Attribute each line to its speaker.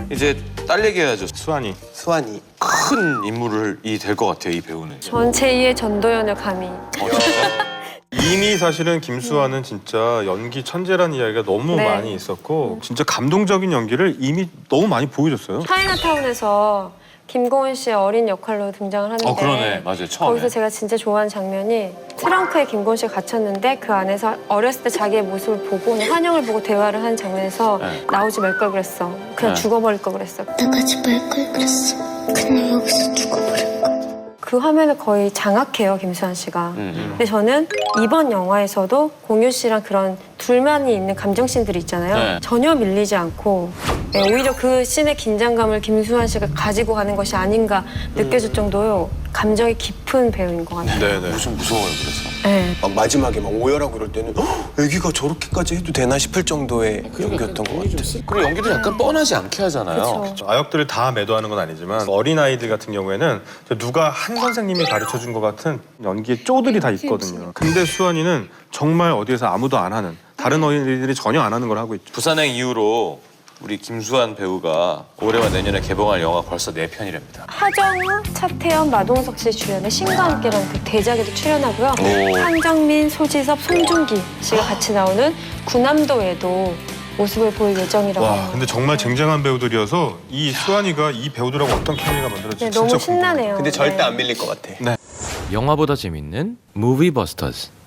Speaker 1: 이제 딸 얘기해야죠.
Speaker 2: 수환이.
Speaker 3: 수환이.
Speaker 1: 큰 인물이 될 것 같아요, 이 배우는.
Speaker 4: 전 제2의 전도연을 감히.
Speaker 2: 이미 사실은 김수환은 진짜 연기 천재라는 이야기가 너무
Speaker 4: 네.
Speaker 2: 많이 있었고 진짜 감동적인 연기를 이미 너무 많이 보여줬어요.
Speaker 4: 차이나타운에서 김고은 씨의 어린 역할로 등장을 하는데
Speaker 1: 그러네. 맞아요, 처음에.
Speaker 4: 거기서 제가 진짜 좋아하는 장면이 트렁크에 김고은 씨가 갇혔는데 그 안에서 어렸을 때 자기의 모습을 보고 그냥 환영을 보고 대화를 하는 장면에서
Speaker 1: 네.
Speaker 4: 나오지 말 걸 그랬어. 그냥
Speaker 1: 네.
Speaker 4: 죽어버릴 걸 그랬어.
Speaker 5: 나가지 말 걸 그랬어. 그냥 여기서 죽어버릴 걸.
Speaker 4: 그 화면을 거의 장악해요, 김수환 씨가. 근데 저는 이번 영화에서도 공유 씨랑 그런 둘만이 있는 감정씬들이 있잖아요.
Speaker 1: 네.
Speaker 4: 전혀 밀리지 않고 네, 오히려 그 씬의 긴장감을 김수환 씨가 가지고 가는 것이 아닌가 느껴질 정도로 감정이 깊은 배우인 것 같아요.
Speaker 2: 네네.
Speaker 1: 좀 무서워요, 그래서.
Speaker 4: 네.
Speaker 3: 막 마지막에 막 오열하고 그럴 때는 애기가 저렇게까지 해도 되나 싶을 정도의 연기였던 것 같아.
Speaker 1: 그리고 연기도 약간 뻔하지 않게 하잖아요.
Speaker 4: 그쵸.
Speaker 2: 아역들을 다 매도하는 건 아니지만 어린아이들 같은 경우에는 누가 한 선생님이 가르쳐준 것 같은 연기의 쪼들이 다 있거든요. 근데 수환이는 정말 어디에서 아무도 안 하는 다른 어린이들이 전혀 안 하는 걸 하고 있죠.
Speaker 1: 부산행 이후로 우리 김수환 배우가 올해와 내년에 개봉할 영화 벌써 4편이랍니다.
Speaker 4: 하정우, 차태현, 마동석 씨 주연의 신과 함께라는 그 대작에도 출연하고요.
Speaker 1: 오.
Speaker 4: 한정민, 소지섭, 송중기 씨가 같이 나오는 구남도에도 모습을 보일 예정이라고
Speaker 2: 와,
Speaker 4: 합니다.
Speaker 2: 근데 정말 쟁쟁한 배우들이어서 이 수환이가 이 배우들하고 어떤 케미가 만들어질지
Speaker 4: 네,
Speaker 2: 진짜
Speaker 4: 너무
Speaker 2: 궁금해요.
Speaker 4: 신나네요.
Speaker 3: 근데 절대
Speaker 4: 네.
Speaker 3: 안 밀릴 것 같아.
Speaker 6: 영화보다 재밌는 무비버스터즈.